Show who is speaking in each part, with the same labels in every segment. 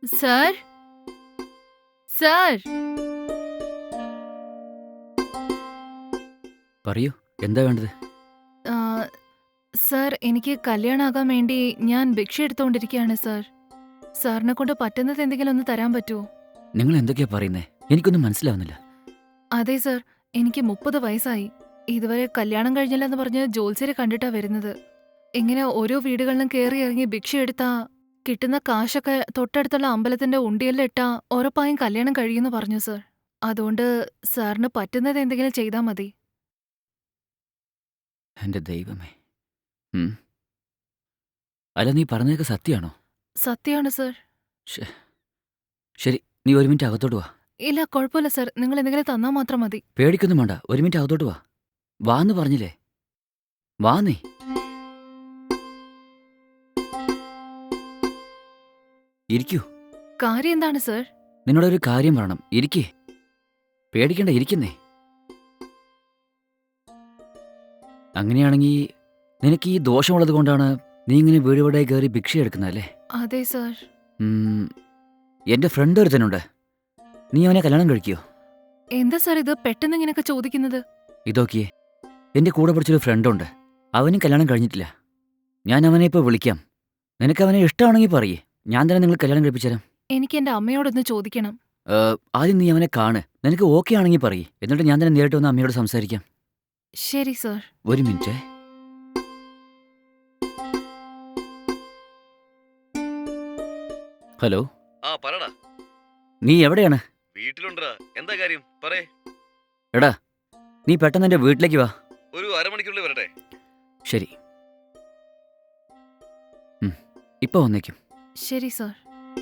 Speaker 1: Sir sir
Speaker 2: പറയൂ, എന്താ വേണ്ടത്?
Speaker 1: ആ, സർ എനിക്ക് കല്യാണാകാൻ വേണ്ടി ഞാൻ ഭിക്ഷ എടുത്തുകൊണ്ടിരിക്കുകയാണ് സർ. സാറിനെ കൊണ്ട് പറ്റുന്നത് എന്തെങ്കിലും ഒന്ന് തരാൻ പറ്റുമോ?
Speaker 2: നിങ്ങൾ എന്തൊക്കെയാ പറയുന്നേ? എനിക്കൊന്നും മനസ്സിലാവുന്നില്ല.
Speaker 1: അതെ സർ, എനിക്ക് 30 വയസ്സായി. ഇതുവരെ കല്യാണം കഴിഞ്ഞില്ലെന്ന് പറഞ്ഞ് ജോത്സ്യരെ കണ്ടിട്ടാ വരുന്നത്. ഇങ്ങനെ ഓരോ വീടുകളിലും കയറി ഇറങ്ങി ഭിക്ഷ എടുത്താ കിട്ടുന്ന കാശൊക്കെ തൊട്ടടുത്തുള്ള അമ്പലത്തിന്റെ ഉണ്ടിയലിലിട്ടാ ഉറപ്പായും കല്യാണം കഴിയുമെന്ന് പറഞ്ഞു സർ. അതുകൊണ്ട് സാറിന് പറ്റുന്നത് എന്തെങ്കിലും ചെയ്താൽ മതി.
Speaker 2: എന്റെ ദൈവമേ. ഉം. അല്ല, നീ പറഞ്ഞതൊക്കെ സത്യമാണോ?
Speaker 1: സത്യമാണ് സർ.
Speaker 2: ശ്ശേ. ശരി, നീ ഒരു മിനിറ്റ് അകത്തോട്ട് വാ.
Speaker 1: ഇല്ല, കുഴപ്പമില്ല സർ, നിങ്ങൾ എന്തെങ്കിലും തന്നാ മാത്രം മതി.
Speaker 2: പേടിക്കൊന്നും വേണ്ട, ഒരു മിനിറ്റ് അകത്തോട്ട് വാ. വാന്ന് പറഞ്ഞില്ലേ? വാ നീ. ഇരിക്കൂ.
Speaker 1: കാര്യം എന്താണ് സർ?
Speaker 2: നിന്നോടൊരു കാര്യം പറയണം. ഇരിക്കേ. പേടിക്കണ്ട, ഇരിക്കുന്നേ. അങ്ങനെയാണെങ്കിൽ നിനക്ക് ഈ ദോഷമുള്ളത് കൊണ്ടാണ് നീ ഇങ്ങനെ വീട് വീടായി കയറി ഭിക്ഷ എടുക്കുന്നതല്ലേ?
Speaker 1: അതെ സർ.
Speaker 2: എന്റെ ഫ്രണ്ട് ഒരുത്തനുണ്ട്. നീ അവനെ കല്യാണം കഴിക്കോ?
Speaker 1: എന്താ സർ ഇത് പെട്ടെന്ന് ഇങ്ങനെയൊക്കെ ചോദിക്കുന്നത്?
Speaker 2: ഇതൊക്കെയേ, എന്റെ കൂടെ പഠിച്ചൊരു ഫ്രണ്ടുണ്ട്. അവനും കല്യാണം കഴിഞ്ഞിട്ടില്ല. ഞാൻ അവനെ ഇപ്പോൾ വിളിക്കാം. നിനക്ക് അവനെ ഇഷ്ടമാണെങ്കിൽ പറയേ, ഞാൻ തന്നെ നിങ്ങൾ കല്യാണം കഴിപ്പിച്ചുതരാം.
Speaker 1: എനിക്ക് എന്റെ അമ്മയോടൊന്ന് ചോദിക്കണം.
Speaker 2: ആദ്യം നീ അവനെ കാണ്. നിനക്ക് ഓക്കെ ആണെങ്കിൽ പറയേ, എന്നിട്ട് ഞാൻ തന്നെ നേരിട്ട് വന്ന് അമ്മയോട് സംസാരിക്കാം.
Speaker 1: ശരി സർ.
Speaker 2: ഒരു മിനിറ്റ്. ഹലോ.
Speaker 3: ആ പറടാ.
Speaker 2: നീ എവിടെയാണ്?
Speaker 3: വീട്ടിലുണ്ടാ. എന്താ കാര്യം പറയേ.
Speaker 2: എടാ, നീ പെട്ടെന്ന് എൻ്റെ വീട്ടിലേക്ക് വാ.
Speaker 3: ഒരു അരമണിക്കൂറിൽ വരട്ടെ.
Speaker 2: ശരി. ഇപ്പൊ വന്നേക്കും.
Speaker 1: ശരി സർ.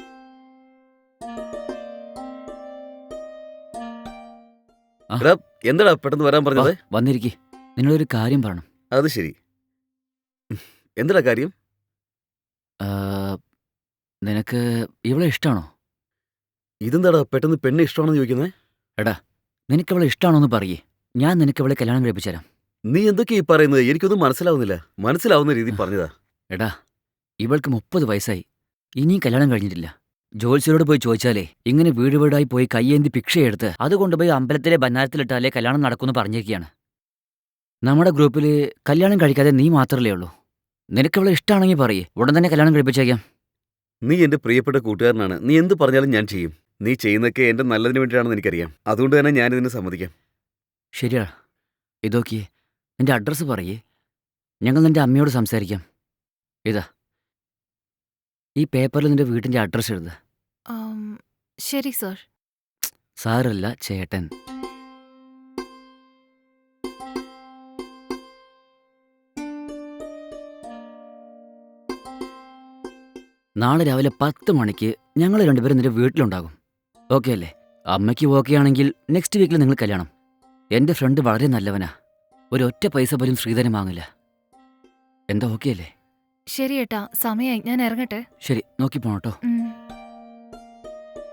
Speaker 3: എടാ, എന്താടാ പെട്ടെന്ന് വരാൻ പറഞ്ഞത്?
Speaker 2: വന്നിരിക്കേ. നിന്നോടൊരു കാര്യം പറയണം.
Speaker 3: അത് ശരി. എന്താടാ കാര്യം?
Speaker 2: ആ, നിനക്ക് ഇവളെ ഇഷ്ടമാണോ?
Speaker 3: ഇതെന്താടാ പെട്ടെന്ന് പെണ്ണ് ഇഷ്ടമാണെന്ന് ചോദിക്കുന്നേ?
Speaker 2: എടാ, നിനക്ക് അവളെ ഇഷ്ടമാണോന്ന് പറയേ, ഞാൻ നിനക്ക് അവളെ കല്യാണം കഴിപ്പിച്ചുതരാം.
Speaker 3: നീ എന്തൊക്കെയാ ഈ പറയുന്നത്? എനിക്കൊന്നും മനസ്സിലാവുന്നില്ല. മനസ്സിലാവുന്ന രീതിയിൽ പറഞ്ഞതാ.
Speaker 2: എടാ, ഇവൾക്ക് 30 വയസ്സായി. ഇനിയും കല്യാണം കഴിഞ്ഞിട്ടില്ല. ജോത്സ്യരോട് പോയി ചോദിച്ചാലേ ഇങ്ങനെ വീട് വീടായി പോയി കയ്യേന്തി ഭിക്ഷയെടുത്ത് അത് കൊണ്ടുപോയി അമ്പലത്തിലെ ബന്നാരത്തിലിട്ടാലേ കല്യാണം നടക്കുമെന്ന് പറഞ്ഞിരിക്കുകയാണ്. നമ്മുടെ ഗ്രൂപ്പിൽ കല്യാണം കഴിക്കാതെ നീ മാത്രമല്ലേ ഉള്ളൂ. നിനക്കവളെ ഇഷ്ടമാണെങ്കിൽ പറയേ, ഉടൻ തന്നെ കല്യാണം കഴിപ്പിച്ചേക്കാം.
Speaker 3: നീ എന്റെ പ്രിയപ്പെട്ട കൂട്ടുകാരനാണ്. നീ എന്ത് പറഞ്ഞാലും ഞാൻ ചെയ്യും. നീ ചെയ്യുന്നതൊക്കെ എന്റെ നല്ലതിന് വേണ്ടിയാണെന്ന് എനിക്കറിയാം. അതുകൊണ്ട് തന്നെ ഞാനിതിന് സമ്മതിക്കാം.
Speaker 2: ശരിയാ. ഇതൊക്കെ നിന്റെ അഡ്രസ്സ് പറയേ, ഞങ്ങൾ നിന്റെ അമ്മയോട് സംസാരിക്കാം. ഇതാ, ഈ പേപ്പറിൽ നിന്റെ വീട്ടിൻ്റെ അഡ്രസ്സ് എഴുതുക.
Speaker 1: ശരി സർ.
Speaker 2: സാറല്ല, ചേട്ടൻ. നാളെ രാവിലെ 10 മണിക്ക് ഞങ്ങൾ രണ്ടുപേരും നിന്റെ വീട്ടിലുണ്ടാകും. ഓക്കെ അല്ലേ? അമ്മയ്ക്ക് ഓക്കെ ആണെങ്കിൽ നെക്സ്റ്റ് വീക്കിൽ നിങ്ങൾ കല്യാണം. എൻ്റെ ഫ്രണ്ട് വളരെ നല്ലവനാ. ഒരൊറ്റ പൈസ പോലും ശ്രീധരൻ വാങ്ങില്ല. എന്താ ഓക്കെ അല്ലേ?
Speaker 1: ശരി ഏട്ടാ, സമയായി, ഞാൻ ഇറങ്ങട്ടെ.
Speaker 2: ശരി, നോക്കി പോണട്ടോ.